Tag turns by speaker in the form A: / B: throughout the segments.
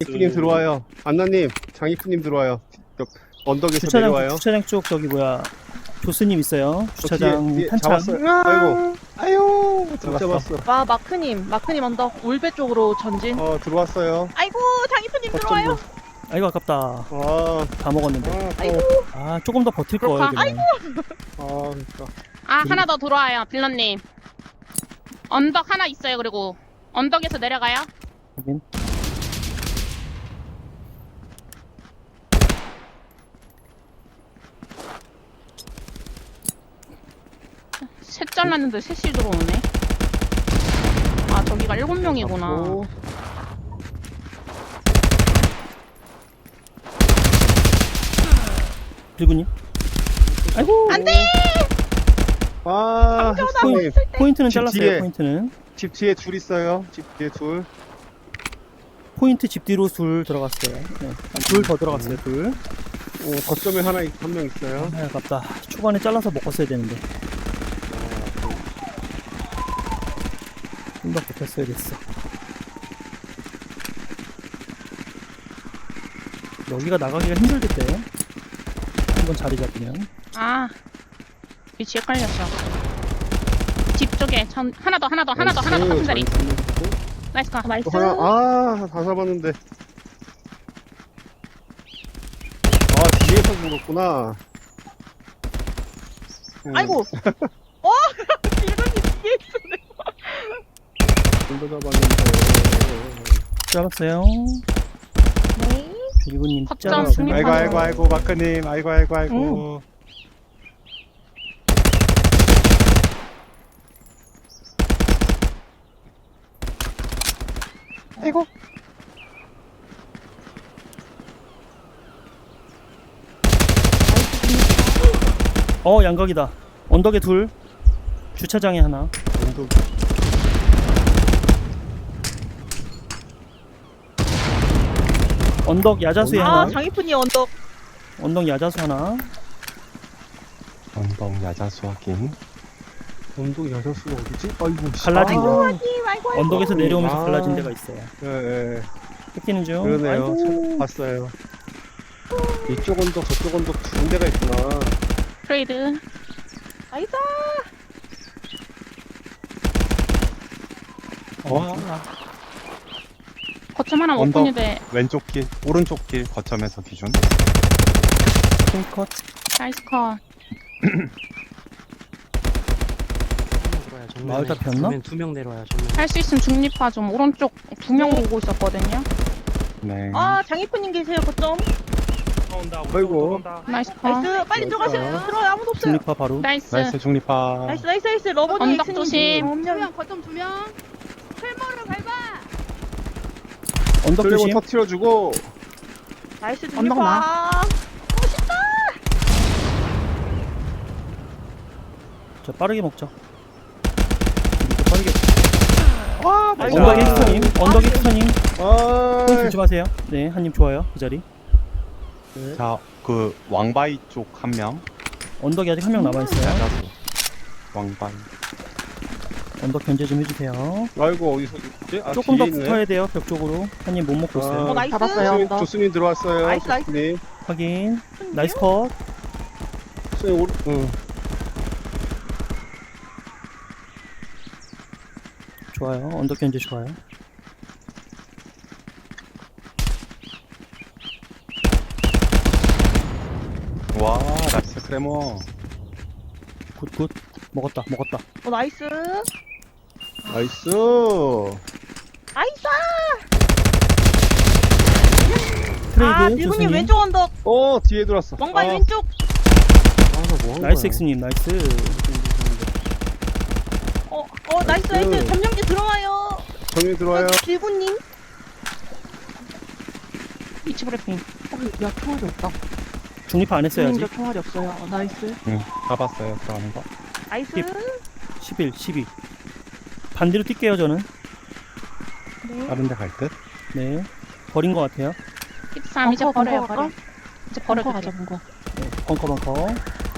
A: 장이프님 들어와요. 안나님, 장이프님 들어와요. 언덕에서
B: 주차장
A: 내려와요.
B: 주차장 쪽 저기 뭐야 조스님 있어요. 주차장
A: 뒤에
B: 탄창.
A: 잡았어요. 아이고, 아유, 못 잡았어.
C: 와 마크님 언덕 울배 쪽으로 전진.
A: 들어왔어요.
C: 아이고 장이프님 들어와요.
B: 아이고 아깝다.
A: 아,
B: 다 먹었는데.
C: 아이고.
B: 아 조금 더 버틸
D: 그렇구나.
B: 거예요.
A: 그러니까.
D: 아 하나 더 들어와요 빌런님. 언덕 하나 있어요. 그리고 언덕에서 내려가요.
B: 확인.
D: 셋 잘랐는데 셋이 들어오네. 아 저기가 7명이구나.
A: 잡고.
B: 빌구님. 아이고.
C: 안돼.
A: 아, 햇사님.
B: 포인트는
A: 집
B: 잘랐어요.
A: 뒤에.
B: 포인트는.
A: 집 뒤에 둘 있어요. 집 뒤에 둘.
B: 포인트 집 뒤로 둘 들어갔어요. 네. 둘 더 들어갔어요. 둘.
A: 거점에 한 명 있어요.
B: 아, 아깝다. 초반에 잘라서 먹었어야 되는데. 좀 더 버텼어야 됐어. 여기가 나가기가 힘들겠대. 한번 자리 잡으면.
D: 아 위치 헷갈렸어. 집 쪽에 하나 더 같은 자리. 나이스 카.
C: 나이스.
A: 또 하나, 다 잡았는데. 뒤에서 죽었구나.
C: 아이고. 빌런님 뒤에 있었네.
A: 둘다 잡았는데.
B: 잘랐어요.
C: 네.
B: 빌구님
D: 확정
B: 잘랐어요.
D: 승리.
A: 아이고, 마크님. 아이고. 아이고.
B: 양각이다. 언덕에 둘. 주차장에 하나.
A: 언덕.
B: 언덕 야자수에 하나.
C: 장이프님 언덕.
B: 언덕 야자수 하나.
E: 언덕 야자수 확인.
A: 언덕 여자수가 어디지? 아이고.
B: 갈라진 거.
C: 아이고.
B: 언덕에서 내려오면서
A: 아.
B: 갈라진 데가 있어요.
A: 예.
B: 뺏기는 중.
A: 그러네요.
B: 아이고.
A: 봤어요. 이쪽 언덕, 저쪽 언덕 두 군데가 있구나.
D: 트레이드.
C: 나이스.
E: 와.
D: 거점 하나 못
E: 언덕.
D: 보는데
E: 왼쪽 길, 오른쪽 길 거점에서 기준.
B: 컷.
D: 나이스 컷.
B: 마을 다 폈나?
F: 두명 내려와요. 정면.
D: 할 수 있으면 중립화 좀. 오른쪽 2명 보고 있었거든요.
E: 네.
C: 장이프님 계세요 거점.
A: 아이고.
D: 나이스 컷.
C: 나이스. 빨리 들어가세요. 들어요. 아무도 없어요.
B: 중립화 바로.
D: 나이스.
E: 나이스 중립파.
C: 나이스. 러버님
D: 언덕
C: 엑스님.
D: 조심.
C: 엄청.
D: 거점 2명. 풀모를 밟아.
B: 언덕
A: 틀리고
B: 조심.
A: 터트려주고.
C: 나이스
D: 언덕
C: 중립파.
B: 자 빠르게 먹자. 이거 빠르게.
C: 나이스.
B: 언덕 엑스터님. 언덕 엑스터님. 포인트
A: 아,
B: 조심하세요. 네, 한님 좋아요. 그 자리.
E: 자, 그 왕바이 쪽 한 명.
B: 언덕에 아직 한 명 남아 있어요.
E: 야자수. 왕바이.
B: 언덕 견제 좀 해주세요.
A: 아이고, 어디서 있지?
B: 조금 더
A: 뒤에 있네.
B: 붙어야 돼요. 벽 쪽으로. 한님 못 먹고 있어요.
C: 나이스.
A: 조수님 들어왔어요.
C: 나이스.
A: 조수님.
B: 확인. 나이스 컷.
A: 조수님
B: 좋아요. 언덕 견제 좋아요.
E: 와, 나이스 크레모.
B: 굿. 먹었다.
C: 나이스.
A: 나이스.
C: 나이스.
B: 트레이드
C: 빌구님
B: 조수님.
C: 왼쪽 언덕.
A: 뒤에 들어왔어.
C: 왕바이 왼쪽.
A: 뭐
B: 나이스 엑스님. 나이스.
C: 나이스.
A: 나이스.
C: 점령지 들어와요.
A: 정리 들어와요.
C: 빌구님.
D: 위치 브리핑.
C: 야 총알이 없다.
B: 중립화 안 했어요 아직.
C: 총알이 없어요. 나이스.
E: 응, 잡았어요. 들어가는 거.
C: 나이스.
B: 11, 12. 반대로 뛸게요 저는.
C: 네.
E: 다른 데 갈 듯?
B: 네. 버린 것 같아요.
D: 13 이제 버려요.
C: 벙커
D: 버려. 이제 버려도
C: 가자
D: 돼.
C: 벙커.
B: 네, 벙커.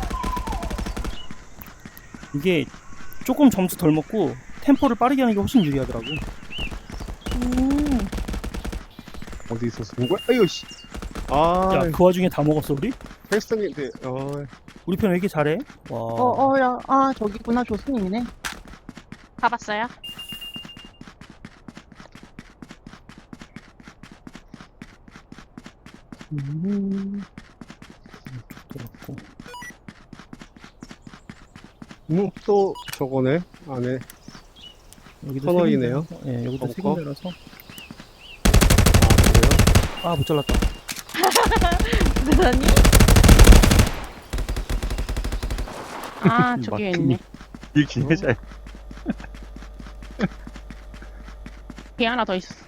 B: 이게 조금 점수 덜 먹고 템포를 빠르게 하는 게 훨씬 유리하더라고.
A: 어디 있었어? 본 거야? 아유, 씨. 아,
B: 야, 그 와중에 다 먹었어, 우리?
A: 헬스장인데,
B: 우리 편 왜 이렇게 잘해? 와.
C: 야. 아, 저기구나. 조수님이네.
D: 가봤어요?
B: 들었고.
A: 또 저거네, 안에.
B: 여기도
A: 터널이네요.
B: 색인데. 예, 여기도
A: 벙커.
B: 색인데라서.
A: 아, 그래요?
B: 아, 못 잘랐다.
C: 대단히?
D: 아 저기 있네.
E: 이 기회자.
D: 뒤에 하나 더 있어.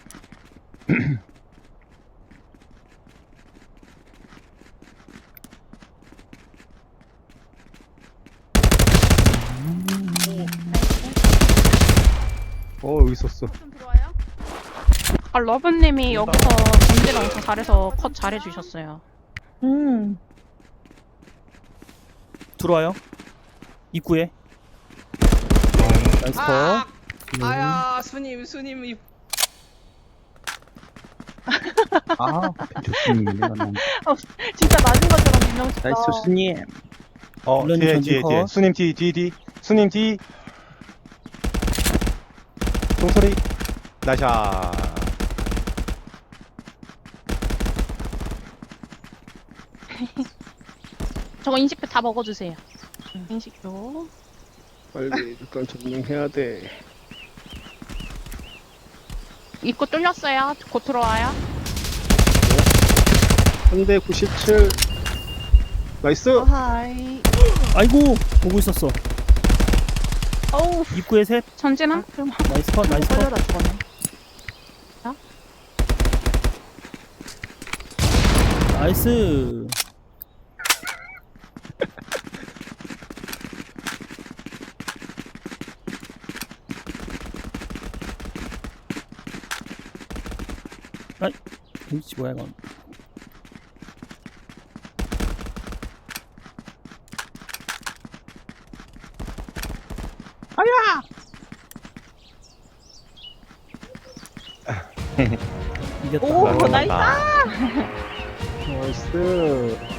A: 여기 있었어.
D: 좀 들어와요? 아 러브님이 여기서 전지를 엄청 잘해서 컷 잘해주셨어요.
B: 들어와요. 입구에. 나이스 컷.
F: 아야 수님 입
G: 아, 좋습니다. 내가 너무.
C: 진짜 맞은 것처럼 유명했다.
G: 나이스, 스님.
B: 물론
E: 뒤에
B: 전진
E: 뒤에 뒤에.
B: 컷.
E: 수님 뒤. 수님 뒤. 종소리. 나샤.
D: 저거 인식표 다 먹어주세요. 인식표.
A: 빨리 일단 점령해야 돼.
D: 입구 뚫렸어요. 곧 들어와요.
A: 3대 97. 나이스!
C: 하이.
B: 아이고, 보고 있었어.
C: 어우,
B: 입구에 셋.
D: 전진한? 좀
B: 나이스 컷, 나이스 컷.
C: 걸려라 죽었네.
B: 나이스. 아이, 위치 뭐야, 이건. 이겼다.
C: 오, 나이스.
E: 아,
A: 나이스.